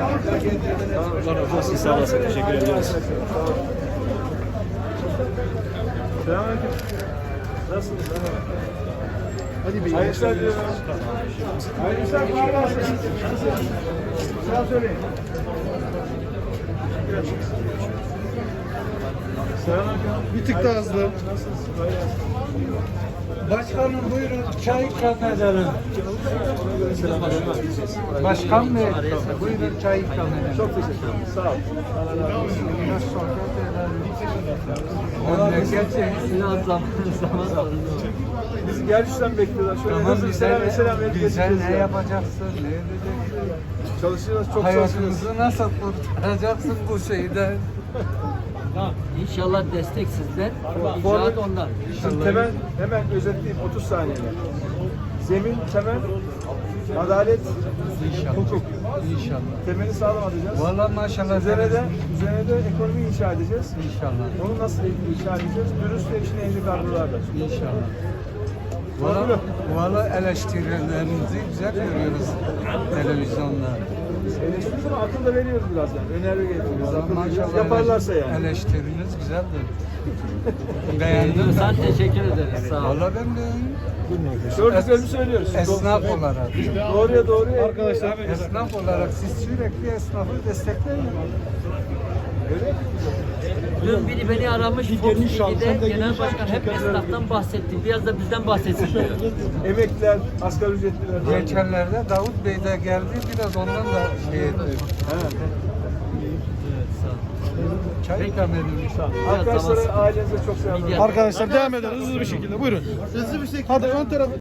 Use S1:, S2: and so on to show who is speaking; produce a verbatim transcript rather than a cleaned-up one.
S1: Allah razı olsun. Sağ olasın. Teşekkür ediyoruz.
S2: Selamünaleyküm. Nasılsınız?
S1: Hadi bir
S2: Hayırlı işler diliyorum. Hayırlı işler, kolay gelsin. Selam söyleyin. Selamünaleyküm.
S1: Bir tık daha hızlı.
S2: Nasılsınız? Kolay gelsin.
S3: Başkanım buyurun çay ikram edelim.
S2: Selamünaleyküm.
S3: Başkan Bey buyurun çay ikram edelim.
S2: Çok teşekkür ederim. Sağ olun. Allah razı olsun.
S3: Biraz sohbet edelim. Memleket zaman zaman
S2: Bizi gerçekten bekliyorlar. Şöyle
S3: Tamam
S2: hızlı bir
S3: bize
S2: selam ve selam
S3: ne,
S2: verip
S3: bize
S2: geçeceğiz
S3: ne
S2: ya.
S3: yapacaksın, ne edeceksin?
S2: Çalışıyoruz, çok çalışıyoruz.
S3: Hayatımızı nasıl kurtaracaksın bu şeyden?
S4: İnşallah destek sizden,
S2: Forvet-
S4: icraat ondan.
S2: Şimdi temel, hemen özetleyeyim otuz saniyede. Zemin, temel, adalet,
S3: İnşallah.
S2: hukuk.
S3: İnşallah.
S2: Temeli sağlam atacağız.
S3: Vallahi maşallah.
S2: Üzerine de, üzerine de ekonomi inşa edeceğiz.
S3: İnşallah.
S2: Onu nasıl inşa edeceğiz? Dürüst ve içine ehli kadrolarla.
S3: İnşallah. Valla, valla eleştirilerinizi güzel görüyoruz televizyonda.
S2: Eleştiriyoruz ama akıl da veriyoruz biraz yani. Öneri getiriyoruz. Akıl veriyoruz.
S3: Maşallah
S2: Yaparlarsa yani.
S3: eleştiriniz güzeldir. Beğendim
S4: Sen
S3: ben.
S4: teşekkür ederiz. Sağ ol.
S3: Valla ben de
S2: Gördüklerimi söylüyoruz.
S3: esnaf olarak.
S2: Doğruya doğruya.
S1: Arkadaşlar
S3: Esnaf olarak siz sürekli esnafı destekleyin.
S2: Öyle.
S4: Dün biri beni aramış, Fox T V'de genel başkan hep esnaftan bahsetti. Biraz da bizden bahsetsin diyor.
S2: Emekliler, asgari ücretliler.
S3: Geçenlerde Davut Bey de geldi, biraz ondan da şey etti.
S2: Evet.
S3: Çay ikram edin.
S2: Arkadaşlara, ailenize çok selamlar.
S1: arkadaşlar devam edelim hızlı bir şekilde. Buyurun. Hızlı bir şekilde. Hadi ön tarafa.